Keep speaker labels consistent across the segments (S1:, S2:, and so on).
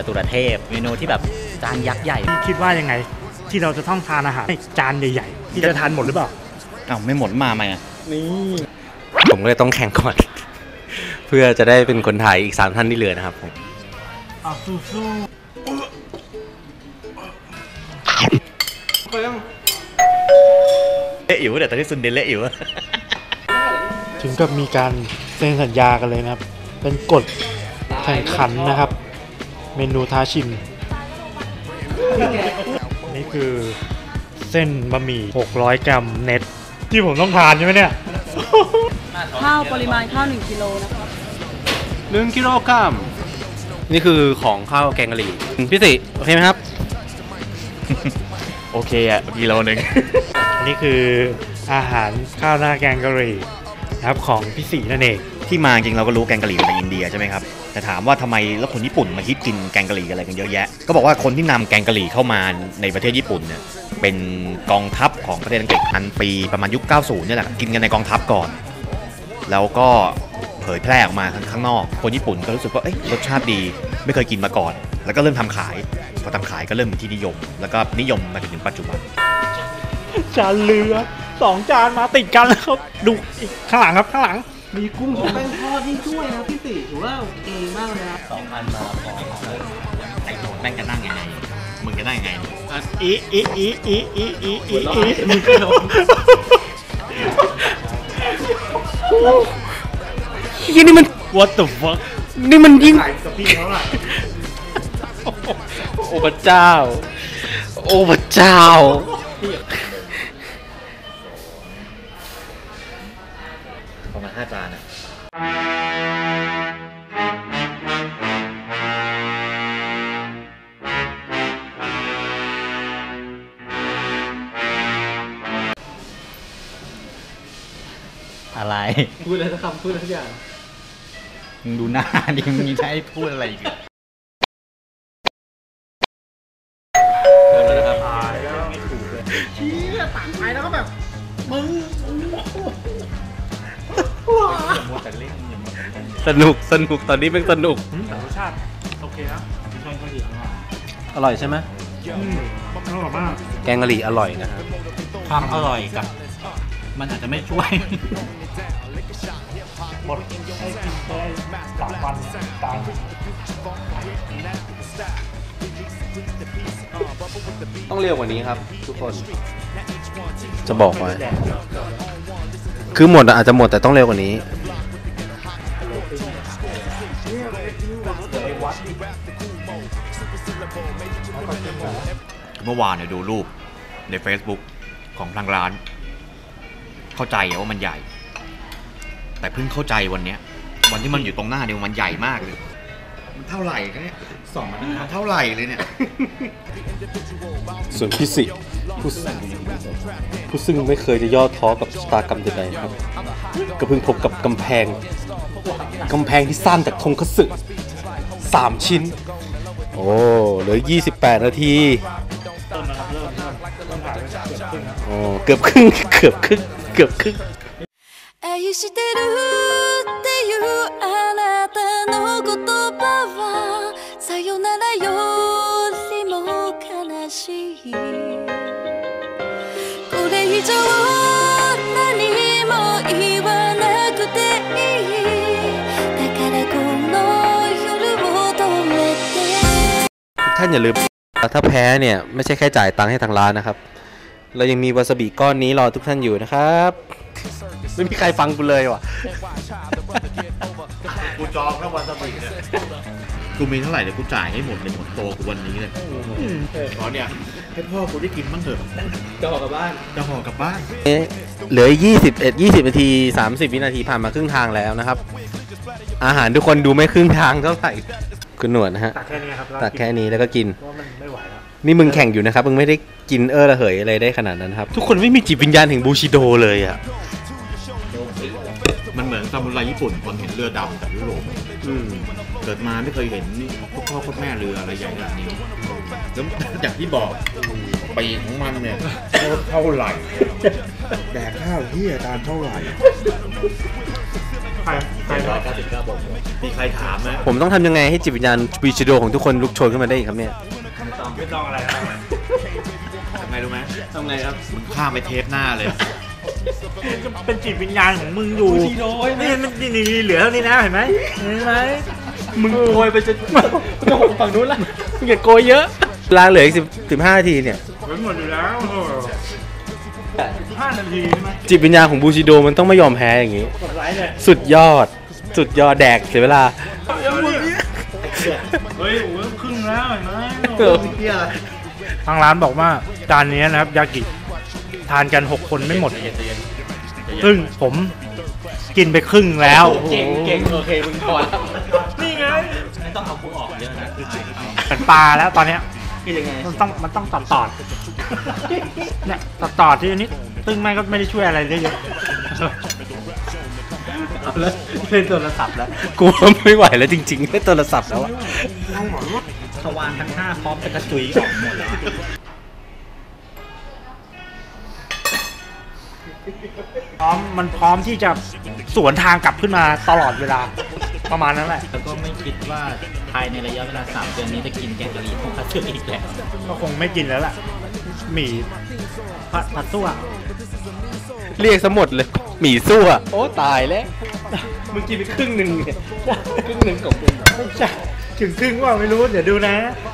S1: ตุรเทพเมนูที่แบบจานยักษ์ใหญ่
S2: คิดว่ายังไงที่เราจะต้องทานอาหารจานใหญ่ๆที่จะทานหมดหรือเปล่า
S1: ไม่หมดมาไหมอ่ะ
S2: นี่
S3: ผมก็เลยต้องแข่งก่อน เพื่อจะได้เป็นคนถ่ายอีก3ท่านที่เหลือนะครับผม
S2: สู้
S1: เละอิ๋วแต่ตอนที่ซุนเดนเละอิ๋ว
S2: ถึงกับมีการเซ็นสัญญากันเลยนะครับเป็นกฎแข่งขันนะครับเมนูท้าชิมนี่คือเส้นบะหมี่600 กรัมเน็ตที่ผมต้องทานใช่ไหมเนี่ย
S4: ข้าวปริมาณข้าว1 กิโลนะครับ
S3: 1 กิโลกรัมนี่คือของข้าวแกงกะหรี่พี่สิโอเคไหมครับ
S1: โอเคอ่ะกิโลนึง
S2: นี่คืออาหารข้าวหน้าแกงกะหรี่นะครับของพี่สีนั่นเอง
S1: ที่มาจริงเราก็รู้แกงกะหรี่มาจากอินเดียใช่ไหมครับแต่ถามว่าทำไมแล้วคนญี่ปุ่นมาฮิตกินแกงกะหรี่อะไรกันเยอะแยะก็บอกว่าคนที่นำแกงกะหรี่เข้ามาในประเทศญี่ปุ่นเนี่ยเป็นกองทัพของประเทศอังกฤษปีประมาณยุค 90 เนี่ยแหละกินกันในกองทัพก่อนแล้วก็เผยแพร่ออกมาข้างนอกคนญี่ปุ่นก็รู้สึกว่ารสชาติดีไม่เคยกินมาก่อนแล้วก็เริ่มทำขายพอทำขายก็เริ่มเป็นที่นิยมแล้วก็นิยมมาจนถึงปัจจุบัน
S2: จานเรือ2 จานมาติดกันแล้วครับดูข้างหลังครับข้างหลัง
S5: มีกุ้งแป้งทอดที่ช่วยนะพี่ติถือว่าโอเคมากเลยครับ
S1: 2,000 มาพอไอ้โหนแม่งจะนั่งยังไงมึงจะนั่งยังไง
S5: มึงกระโดด
S3: นี่มัน
S2: What the fuck
S3: นี่มันยิ่ง
S2: สปีดเท่าไหร่
S3: โอ้พระเจ้าโอ้พระเจ้า
S1: ประมาณ5 จานอะอะไร
S5: พูดอะไรสักคำพูดอะไรสักอย่าง
S1: มึงดูหน้าดิมึงจะให้พูดอะไรอีกเ
S5: ริ่มแล้วนะครับไม่ถูกเลยชี้ต่างไปแล้วก็แบบมึง
S3: สนุกตอนนี้เป็นสนุก
S2: แต่รสชาติโอเคนะแกงกะหรี่
S3: อร่อยใช่ไหม
S2: อร่อยมาก
S3: แกงกะหรี่อร่อยนะครับ
S1: ความอร่อยกับมันอาจจะไม่ช่วย
S2: หมดให้กินได้3 วันตาย
S3: ต้องเร็วกว่านี้ครับทุกคนจะบอกไว้คือหมดอาจจะหมดแต่ต้องเร็วกว่านี้
S1: เมื่อวานเนี่ยดูรูปใน Facebook ของทางร้านเข้าใจว่ามันใหญ่แต่เพิ่งเข้าใจวันที่มันอยู่ตรงหน้าเนี่ยมันใหญ่มากเลยมันเท่าไหร่กันเนี่ยมันเท่าไหร่เลยเนี่ย
S3: ส่วนพี่สิผู้ซึ่งไม่เคยจะย่อท้อกับชะตากรรมใดๆครับก็เพิ่งพบกับกำแพงที่สร้างจากทงคัตสึ3 ชิ้นโอ้เหลือ28 นาทีโอ้เกือบครึ่ง愛してるっていうあなたの言葉はさよならよりも悲しいこれ以上何も言わなくていいだからこの夜を止めてทุกท่านอย่าลืมถ้าแพ้เนี่ยไม่ใช่แค่จ่ายตังค์ให้ทางร้านนะครับเรายังมีวาซาบิก้อนนี้รอทุกท่านอยู่นะครับไม่มีใครฟังกูเลยว่ะ
S1: กูจองแล้ววาซาบิเนี่ยกูมีเท่าไหร่เดี๋ยวกูจ่ายให้หมดเลยหมดโตกูวันนี้เลยขอเนี่ยให้พ่อกูได้กินบ้างเถอะ
S5: จะห่อกลับบ้าน
S3: เหลือ20 นาที30 วินาทีผ่านมาครึ่งทางแล้วนะครับอาหารทุกคนดูไม่ครึ่งทางเท่าไหร่คุณหนวดนะฮะ
S2: ตักแค่นี้ครับ
S3: ตักแค่นี้แล้วก็กิน
S2: เพราะมันไม่ไหวแล้ว
S3: นี่มึงแข่งอยู่นะครับมึงไม่ได้กินระเหยอะไรได้ขนาดนั้นครับทุกคนไม่มีจิตวิญญาณแห่งบูชิโดเลยอ่ะ
S1: มันเหมือนซามูไรญี่ปุ่นคนเห็นเรือดำจากยุโรปเกิดมาไม่เคยเห็นพ่อแม่เรืออะไรใหญ่แบบนี้แล้วอย่างที่บอกปีของมันเนี่ยเท่าไหร่แดกข้าวที่อาจารย์เท่าไหร่
S2: ใคร
S1: 799 บทมีใครถามไหม
S6: ผมต้องทำยังไงให้จิตวิญญาณบูชิโดของทุกคนลุกโชนขึ้นมาได้อีกครับเนี่ย
S5: ไม่ต้องอะไรนะ
S1: ทำไงรู้ไหม
S6: ทำไงครับ
S1: มึงข้ามไปเทปหน้าเลย
S5: เป็นจิตวิญญาณของมึงอยู่นี่มันนี่เหลือเท่านี้นะเห็นไหมมึงโกยไปจนจะหกฝั่งนู้นละมึงอย่าโกยเยอะ
S6: เวลาเหลืออีก15 นาทีเนี่ย
S5: เหมือนหมดอยู่แล้ว5 นาทีใช่ไหม
S6: จิตวิญญาณของบูชิโดมันต้องไม่ยอมแพ้อย่างนี้
S5: กดไลค์เลย
S6: สุดยอดแดกเสียเวลา
S5: เฮ้ยโอ้ยครึ่งแล้วเห็นไหม
S2: ทางร้านบอกว่าจานนี้นะครับยากิทานกัน6 คนไม่หมดซึ่งผมกินไปครึ่งแล้ว
S6: เก่งโอเคมึงพอแล้ว
S5: นี่ไง
S2: เป็นปลาแล้วตอนเนี้ย
S6: คือยังไง
S2: มันต้องตอดเนี่ยตอดที่นี้ซึ่งแม่ก็ไม่ได้ช่วยอะไรได้เยอะ
S6: เอาแล้วเล่นโทรศัพท์แล้วกูไม่ไหวแล้วจริงๆเล่นโทรศัพท์แล้วอะ
S5: ทวารทั้ง5พร้อมจะกระจุยออกหมดแล้ว
S2: มันพร้อมที่จะสวนทางกลับขึ้นมาตลอดเวลาประมาณนั้นแหละ
S7: แล้วก็ไม่คิดว่าภายในระยะเวลา 3 เดือนนี้จะกินแกงกะหรี่ของคัตสึอีกแล้ว
S2: ก็คงไม่กินแล้วล่ะหมี่ผัดซั่ว
S6: เรียกซะหมดเลยหมี่ซั่วโอ้ตายแล้วมึงกินไปครึ่งหนึ่งเนี่ยครึ่งหนึ่งของมึง
S2: ไม่ใช่ถึงครึ่งว่าไม่รู้เดี๋ยวดูนะ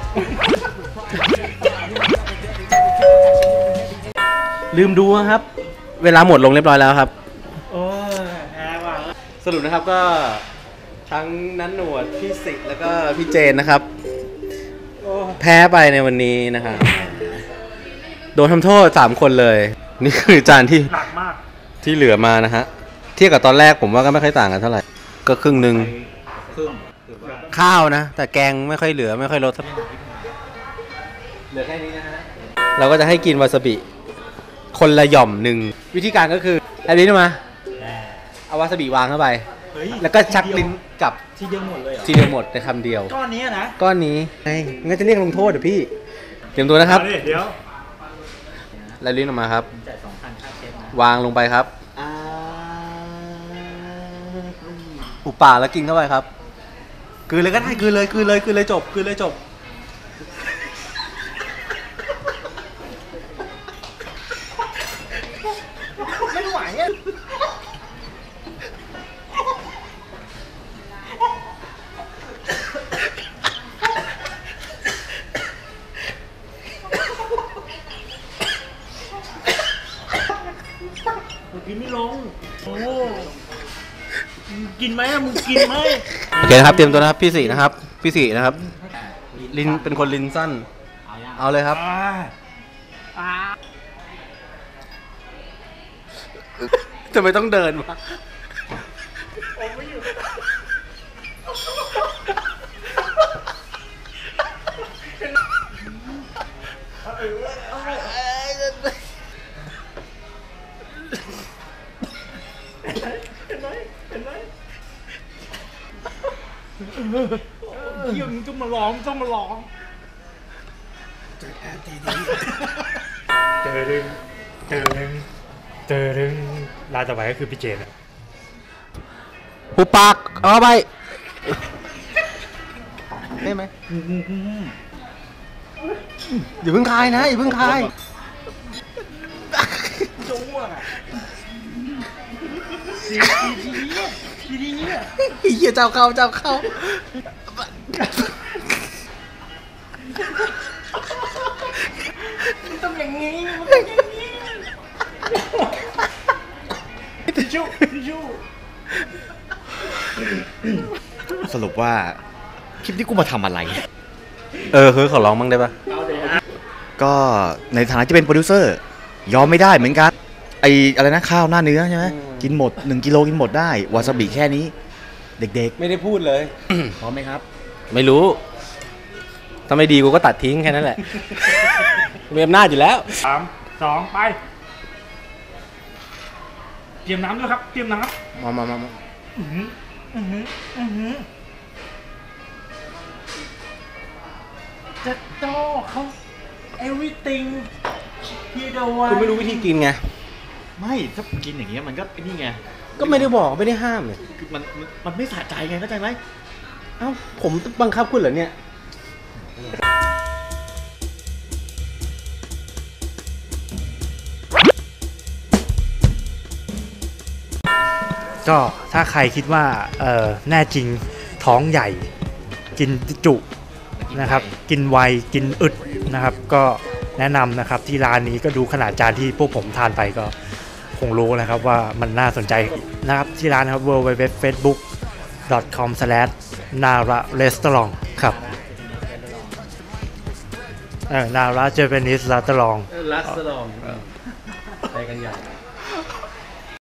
S6: ลืมดูครับ เวลาหมดลงเรียบร้อยแล้วครับ
S2: โอ้ยแพ้ว่ะ
S6: สรุปนะครับก็ทั้งนันหนวดพี่สิแล้วก็พี่เจนนะครับ แพ้ไปในวันนี้นะครับโดนทำโทษ3 คนเลย นี่คือจานที่
S2: หนักมาก
S6: ที่เหลือมานะฮะเทียบกับตอนแรกผมว่าก็ไม่ค่อยต่างกันเท่าไหร่ ก็ครึ่งหนึ่งข้าวนะ แต่แกงไม่ค่อยเหลือไม่ค่อยลดเหลือแค่นี้นะฮะเราก็จะให้กินวาซาบิคนละหย่อมหนึ่งวิธีการก็คือเอาลิ้นมาเอาวาซาบิวางเข้าไป
S5: เฮ้ย
S6: แล้วก็ชักลิ้นกลับ
S5: ทีเดียวหมดเลยเหรอ
S6: ทีเดียวหมดในคำเดียว
S5: ก้อนนี้นะ
S6: ก้อนนี้ไงงั้นจะเรียกลงโทษเดี๋ยวพี่เตรียมตัวนะครับ
S5: เอาดิเดี๋ยว
S6: แล้วลิ้นออกมาครับ
S7: จ่าย 2,000 ค่าเชฟนะ
S6: วางลงไปครับหูป่าแล้วกินเข้าไปครับกลืนเลยก็ได้กลืนเลยจบกลืนเลยจบ
S5: ไม่ไหวอ่ะกินไม่ลงโอ้กินไหมมึงกินไหม
S6: โอเคนะครับเตรียมตัวนะครับพี่สี่นะครับลิ้นเป็นคนลิ้นสั้นเอาเลยครับทำไมต้องเดินวะ
S5: เยี่ยมต้องมาร้องเจอดึงรายต่อไปก็คือพี่เจน
S6: หูปากเอาไปได้ไหมอย่าเพิ่งคายนะอย่าเพิ่งคายเฮียเจ้าเข้า
S1: สรุปว่าคลิปนี้กูมาทำอะไร
S6: คือขอร้องบ้างได้ปะ
S1: ก็ในฐานะที่เป็นโปรดิวเซอร์ยอมไม่ได้เหมือนกันไออะไรนะข้าวหน้าเนื้อใช่ไหมกินหมด1 กิโลกินหมดได้วาซาบิแค่นี้เด็ก
S6: ไม่ได้พูดเลย
S1: ๆพร้อมไหมครับ
S6: ไม่รู้ถ้าไม่ดีกูก็ตัดทิ้งแค่นั้นแหละมีอำนาจอยู่แล้ว
S2: 3 2 ไป เตรียมน้ำด้วยครับ เตรียมน้ำ
S6: มา
S5: จะโต้เขา everything พี่เดวัน
S6: คุณไม่รู้วิธีกินไง
S1: ไม่ถ้ากินอย่างเงี้ยมันก็นี่ไง
S6: ก็ไม่ได้บอกไม่ได้ห้ามเลย
S1: คือมันไม่สะใจไงเข้าใจไหม
S6: เอ้าผมบังคับคุณเหรอเนี่ย
S2: ก็ถ้าใครคิดว่าแน่จริงท้องใหญ่กินจุนะครับกินไวกินอึดนะครับก็แนะนำนะครับที่ร้านนี้ก็ดูขนาดจานที่พวกผมทานไปก็คงรู้นะครับว่ามันน่าสนใจนะครับที่ร้านนะครับ www.facebook.com/nara-restaurant ครับNara Japanese Restaurant
S6: รัสลองไปกันใหญ่